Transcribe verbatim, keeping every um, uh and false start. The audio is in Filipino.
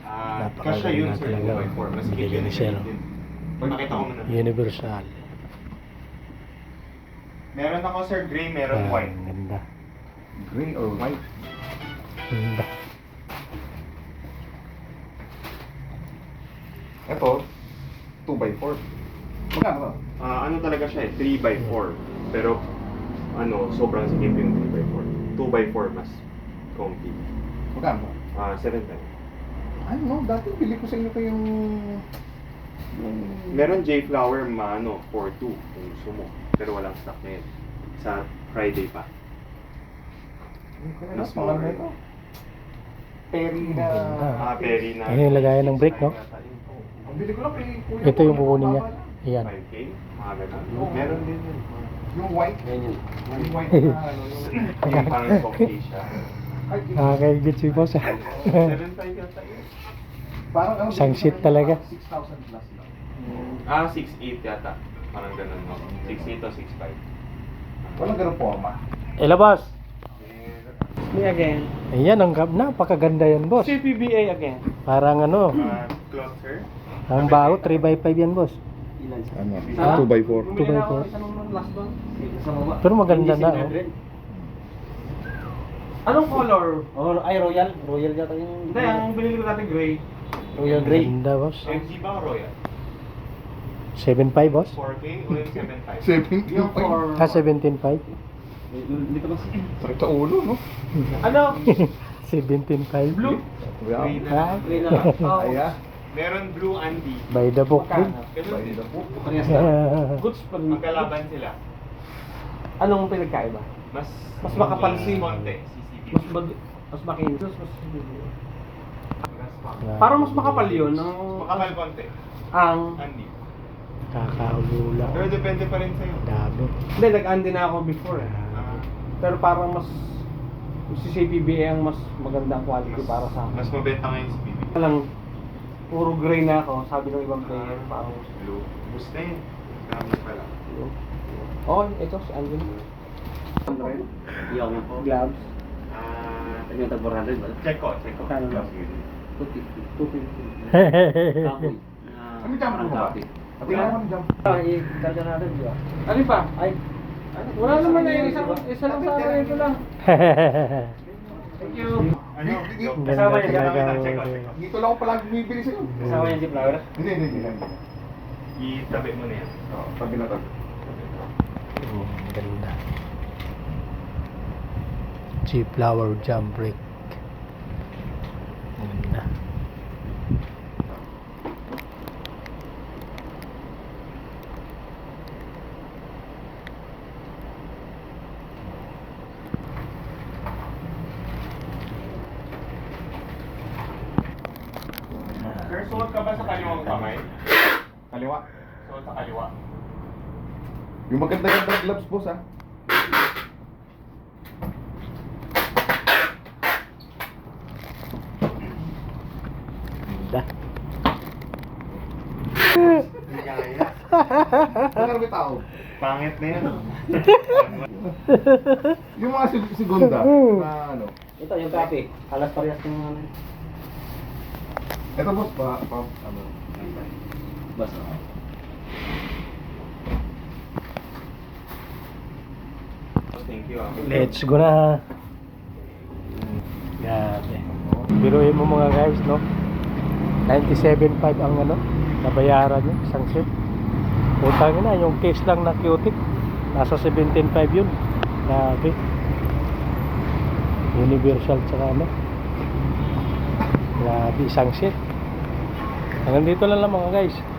Ah, kasya yun Napakaganda sir, talaga. two by four. Mas Bili yun ni yung sir. din. Pakita ko muna. Universal. Meron ako sir, gray, meron Ah, white. ang ganda. Gray or white? Ganda. Ito, two by four. Magkano ba? Ah, ano talaga siya eh, three by four. Pero, ano, sobrang sikip yung three by four. two by four mas comfy. Magkano ba? Ah, seven ten. Ano, no, dati bili ko sa inyo ko yung... yung... Meron J-Flower ma, ano, four two kung gusto mo. Pero walang stock ngayon. Sa Friday pa. Ano, Mas pangalan more. nito? Perry na... Ganda. Ah, Perry na. Ayun yung lagayan ng brake, no? Ang bili ko lang kay kuya. Ito yung kukunin niya. Ayan. five K? Mga ganun. Meron din yun. Yung white. Ganyan. Yung white na ano, yung... Yung parang coffee siya. Ay, yung- Nakakaigit si boss ah. seven five yata yun. Parang ano, Isang bili ko seat rin talaga. parang six thousand plus lang. Ah, six eight yata. Parang ganun, no? six eight o six five. Walang ganun forma. Ela boss. Me again. Ayan, ang gab napakaganda yan boss. C P B A again. Parang ano, Uh, cloth, sir? ang baho three by five yan boss. Ilan siya? Ano? Ah? two by four. Two by four. Isa nung last one. Sa baba. Pero maganda na, oh. Anong color? Oh, ay royal. Royal yata yung... Hindi, ang binili ko dati gray. Royal gray. Ganda boss. M G ba o Royal? seven five boss. four K o yung seven five? Seventeen Yung pa yun. for... Ah, seventeen five. Dito ba? Sakit sa ulo, no? Ano? seventeen five. Blue. Gray na. Ah, Gray na lang. Oh, Ay, ah. Meron blue Andy. by the book din. Magkano? Ganun By din. the book. Parehas na. Goods pa rin. Magkalaban sila. Anong pinagkaiba? Mas Mas makapal si- konti. C C T V. Mas mag... Mas makinis. Mas... Ah, Parang mas makapal yun. Ang... Makapal konti. Ang... Andy. Kakaulo lang. Pero depende pa rin sa'yo. Dami. Hindi, nag-andi na ako before eh. Ah, Pero parang mas... Si C P B A ang mas magandang quality mas, para sa akin. mas mabenta ngayon si B B. Lang, puro gray na ako, sabi ng ibang player, parang Blue. Gusto yun. Dami pala. blue. Oh, ito, si Alvin. Yung Gloves. Ah, yung tag four hundred ba? check ko, check ko. Kano lang? two fifty. two fifty. Kahoy. Ano yung jump mo ba? Sabi mo ano jump? Ah, i-karga natin, di ba? Ano pa? Ay, wala naman na yun, isang, isa lang sa akin, ito lang. Thank you. Ano? Ganda Kasama yan, talaga. check ko, check ko. Dito lang ako palagi bumibili sa'yo. Kasama yung flower. Hindi, hindi, hindi. hindi. Itabi mo na yan. Oo, tabi na tabi. Hmm, ganda. G-flower jump brake. Ganda. Sir, suot ka ba sa kaliwang kamay? Kaliwa. Suot sa kaliwa. Yung maganda-ganda gloves, boss, ah. Ganda. Hindi kaya. Ano may tao? Pangit na yan. Yung mga sig- segunda na ano. Ito, yung copy. Alas parehas ng ano. Ito, boss, pa, pa, ano. Basta. Thank you. ah. Let's go na. Grabe. Biruin mo mga guys, no? ninety-seven point five ang ano, nabayaran niya, isang set. Utang na, yung case lang na cutic. Nasa seventeen point five yun. Grabe. Universal tsaka ano. Grabe, isang set. Hanggang dito lang lang mga guys.